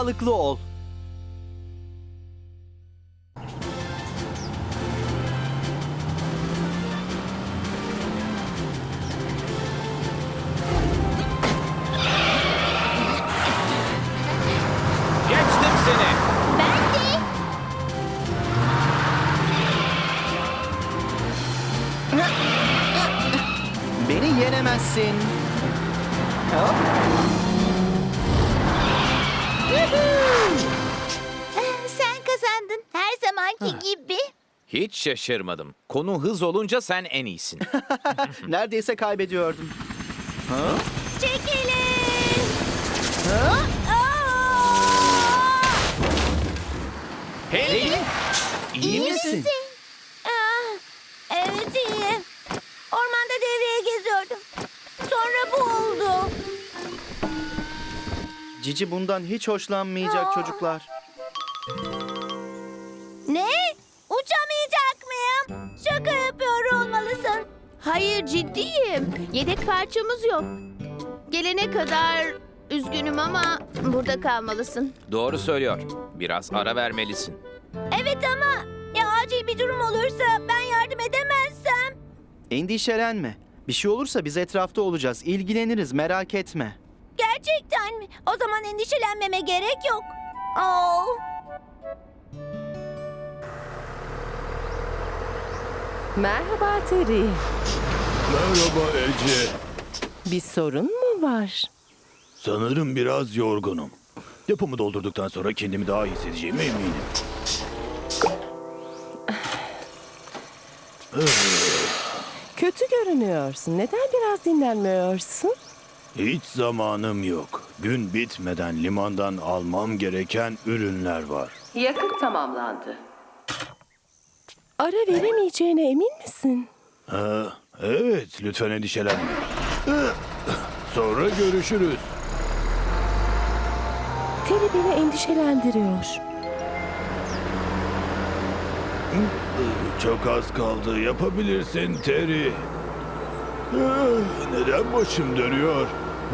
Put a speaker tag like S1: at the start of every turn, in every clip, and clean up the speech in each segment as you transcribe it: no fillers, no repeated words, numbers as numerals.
S1: sağlıklı ol.
S2: Geçtim seni.
S3: Ben de.
S1: Beni yenemezsin. Hop.
S3: Sen kazandın. Her zamanki gibi.
S2: Hiç şaşırmadım. Konu hız olunca sen en iyisin.
S1: Neredeyse kaybediyordum.
S3: Çekilin.
S1: Ha?
S3: Aa!
S2: Hey! İyi misin?
S3: Ah, evet iyiyim. Ormanda devreye geziyordum. Sonra bu oldu.
S1: Cici bundan hiç hoşlanmayacak çocuklar.
S3: Ne? Uçamayacak mıyım? Şaka yapıyor olmalısın.
S4: Hayır, ciddiyim. Yedek parçamız yok. Gelene kadar üzgünüm ama burada kalmalısın.
S2: Doğru söylüyor. Biraz ara vermelisin.
S3: Evet ama ya acil bir durum olursa ben yardım edemezsem?
S1: Endişelenme. Bir şey olursa biz etrafta olacağız. İlgileniriz, merak etme.
S3: Gerçekten mi? O zaman endişelenmeme gerek yok. Oh.
S5: Merhaba Terry.
S6: Merhaba Ece.
S5: Bir sorun mu var?
S6: Sanırım biraz yorgunum. Depomu doldurduktan sonra kendimi daha iyi hissedeceğime eminim.
S5: Kötü görünüyorsun. Neden biraz dinlenmiyorsun?
S6: Hiç zamanım yok. Gün bitmeden limandan almam gereken ürünler var.
S5: Yakıt tamamlandı. Ara veremeyeceğine emin misin?
S6: Evet, lütfen endişelenme. Sonra görüşürüz.
S5: Terry beni endişelendiriyor.
S6: Çok az kaldı. Yapabilirsin Terry. Neden başım dönüyor?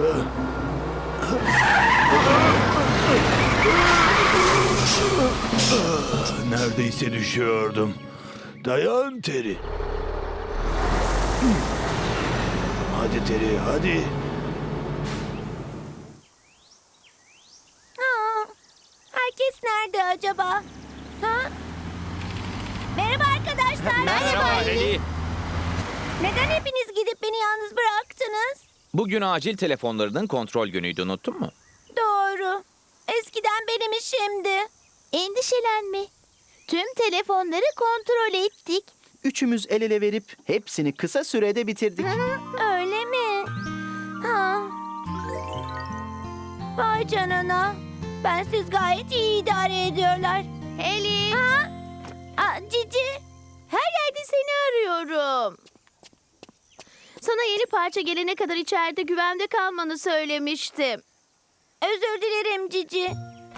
S6: Neredeyse düşüyordum. Dayan Terry. Hadi Terry, hadi.
S3: Aa, herkes nerede acaba? Ha? Merhaba arkadaşlar.
S2: Merhaba Heli.
S3: Neden hepiniz gidip beni yalnız bıraktınız?
S2: Bugün acil telefonlarının kontrol günüydü, unuttun mu?
S3: Doğru. Eskiden benim işimdi. Endişelenme. Tüm telefonları kontrol ettik.
S1: Üçümüz el ele verip hepsini kısa sürede bitirdik.
S3: Öyle mi? Ha. Vay canına. Bensiz gayet iyi idare ediyorlar.
S4: Eli,
S3: Ha? Cici.
S4: her yerde seni arıyorum. Sana yeni parça gelene kadar içeride güvende kalmanı söylemiştim.
S3: Özür dilerim Cici.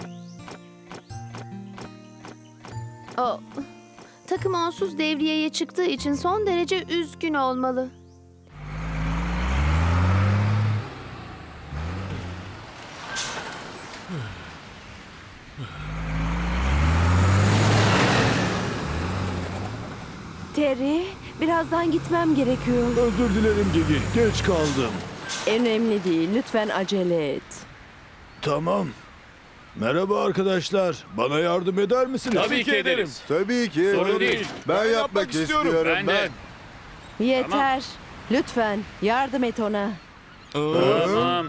S4: O, takım onsuz devriyeye çıktığı için son derece üzgün olmalı.
S5: Terry, birazdan gitmem gerekiyor.
S6: Özür dilerim Gigi, geç kaldım.
S5: Önemli değil. Lütfen acele et.
S6: Tamam. Merhaba arkadaşlar. Bana yardım eder misiniz?
S7: Tabii ki ederiz.
S8: Tabii ki.
S7: Sorun değil.
S8: Ben yapmak istiyorum.
S7: Ben de.
S5: Yeter. Lütfen yardım et ona.
S7: Tamam.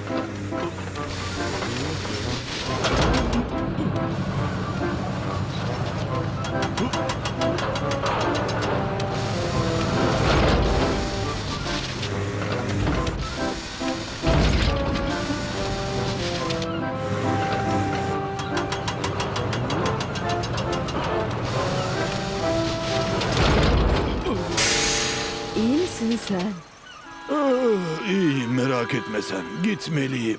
S5: İyi misin sen?
S6: İyiyim, merak etme sen. Gitmeliyim.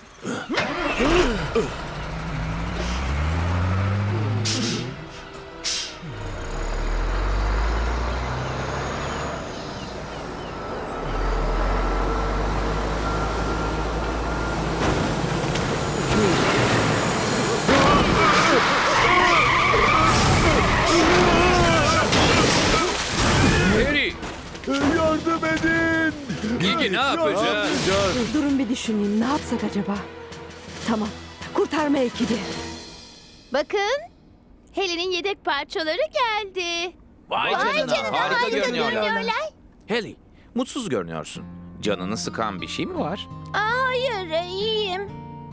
S6: yardım edin.
S2: Bilge ne yapacağız?
S5: Durun bir düşüneyim. Ne yapsak acaba? Tamam. Kurtarma ekibi.
S4: Bakın, Helen'in yedek parçaları geldi.
S2: Vay
S3: canına,
S2: harika görünüyorlar.
S3: görünüyorlar.
S2: Haley, mutsuz görünüyorsun. Canını sıkan bir şey mi var?
S3: Hayır, iyiyim.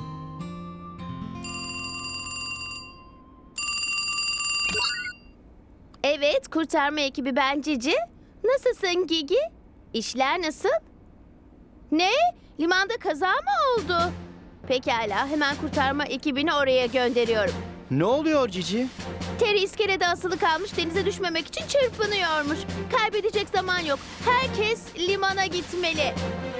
S4: Evet, kurtarma ekibi ben Cici. Nasılsın Gigi? İşler nasıl? Ne? Limanda kaza mı oldu? Pekala, hemen kurtarma ekibini oraya gönderiyorum.
S1: Ne oluyor Cici?
S4: Terry iskelede asılı kalmış, denize düşmemek için çırpınıyormuş. Kaybedecek zaman yok. Herkes limana gitmeli.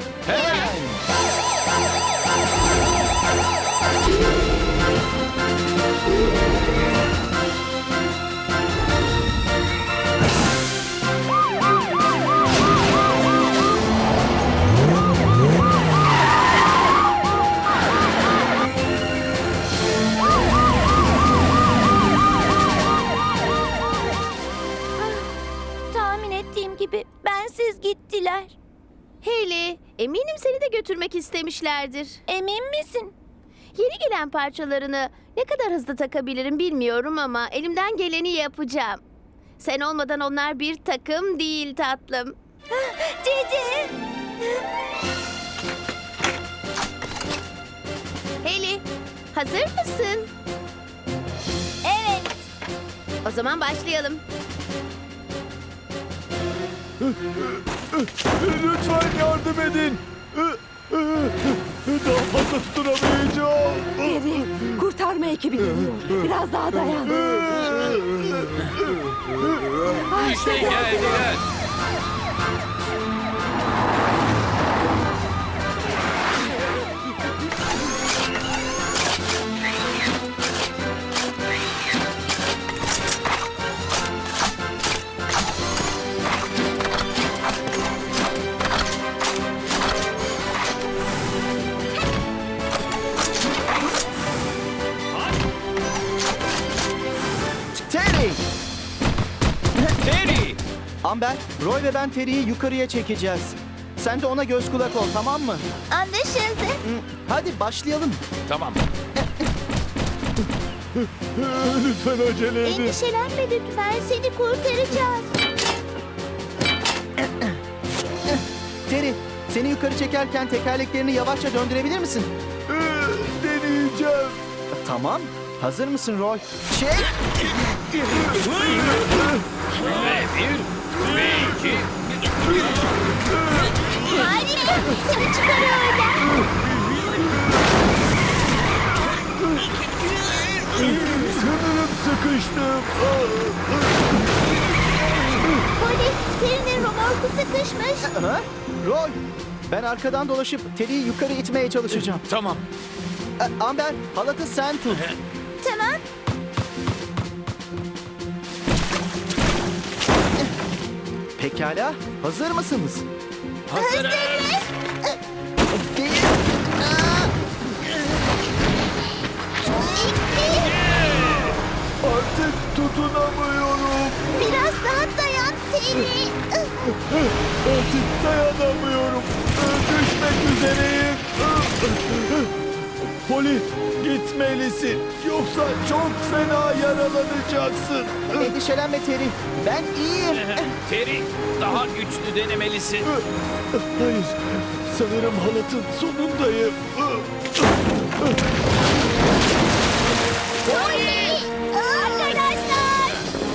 S3: Tahmin ettiğim gibi bensiz gittiler.
S4: Hayley, eminim seni de götürmek istemişlerdir.
S3: Emin misin?
S4: Yeni gelen parçalarını ne kadar hızlı takabilirim bilmiyorum ama elimden geleni yapacağım. Sen olmadan onlar bir takım değil tatlım.
S3: Cici!
S4: Hayley, hazır mısın?
S3: Evet.
S4: O zaman başlayalım.
S6: Lütfen yardım edin. Daha fazla tutunamayacağım.
S5: Terry, kurtarma ekibi geliyor. Biraz daha dayan.
S2: İşte geldiler.
S1: Terry!
S2: Terry!
S1: Amber, Roy ve ben Terry'yi yukarıya çekeceğiz. Sen de ona göz kulak ol, tamam mı?
S3: Anlaşıldı.
S1: Hadi başlayalım.
S2: Tamam.
S6: Lütfen acele edin.
S3: Endişelenme lütfen. Seni kurtaracağız.
S1: Terry, seni yukarı çekerken tekerleklerini yavaşça döndürebilir misin?
S6: Deneyeceğim.
S1: Tamam. Hazır mısın Roy? Çek!
S2: Ve bir, ve iki.
S3: Harika. Seni çıkarıyorlar.
S6: Sanırım sıkıştım.
S3: Poli, Terry'nin romorku sıkışmış.
S1: Ha? Roy, ben arkadan dolaşıp Terry'yi yukarı itmeye çalışacağım.
S2: Tamam.
S1: Amber, halatı sen tut.
S3: Tamam.
S1: Pekala, hazır mısınız?
S2: Hazırız.
S1: Bir,
S6: Artık tutunamıyorum.
S3: Biraz daha dayan Terry.
S6: Artık dayanamıyorum. Düşmek üzereyim. Poli, gitmelisin. Yoksa çok fena yaralanacaksın.
S1: endişelenme Terry. Ben iyiyim.
S2: Terry, daha güçlü denemelisin.
S6: Hayır, sanırım halatın sonundayım.
S3: Poli! Arkadaşlar!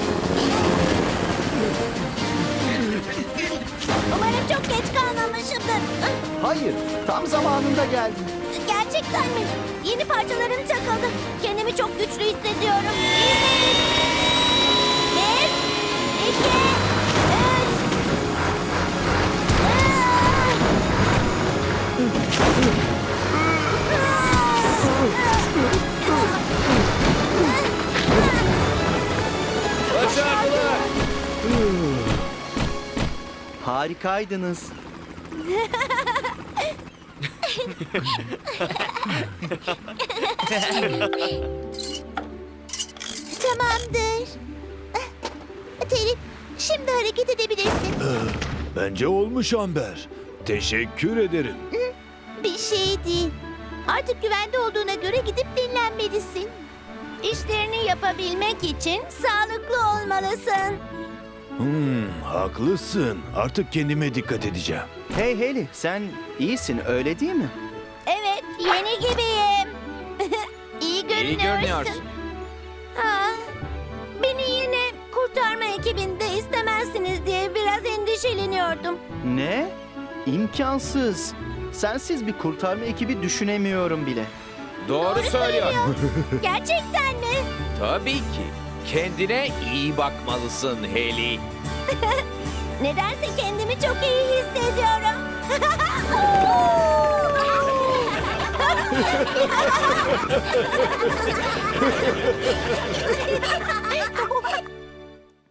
S3: Umarım çok geç kalmamışımdır.
S1: Hayır, tam zamanında geldin.
S3: Gerçekten mi? Yeni parçalarım takıldı. Kendimi çok güçlü hissediyorum. Bir, iki, üç.
S2: Başardılar.
S1: Harikaydınız.
S3: Tamamdır. Terry, şimdi hareket edebilirsin.
S6: Bence olmuş Amber. Teşekkür ederim.
S3: Bir şey değil. Artık güvende olduğuna göre gidip dinlenmelisin. İşlerini yapabilmek için sağlıklı olmalısın.
S6: Haklısın. Artık kendime dikkat edeceğim.
S1: Hey Haley, sen iyisin öyle değil mi?
S3: Evet, yeni gibiyim. İyi görünüyorsun.
S2: İyi görünüyorsun.
S3: Ha, beni yine kurtarma ekibinde istemezsiniz diye biraz endişeleniyordum.
S1: Ne? İmkansız. Sensiz bir kurtarma ekibi düşünemiyorum bile.
S2: Doğru söylüyor.
S3: Gerçekten mi?
S2: Tabii ki. Kendine iyi bakmalısın Haley.
S3: Nedense kendimi çok iyi hissediyorum.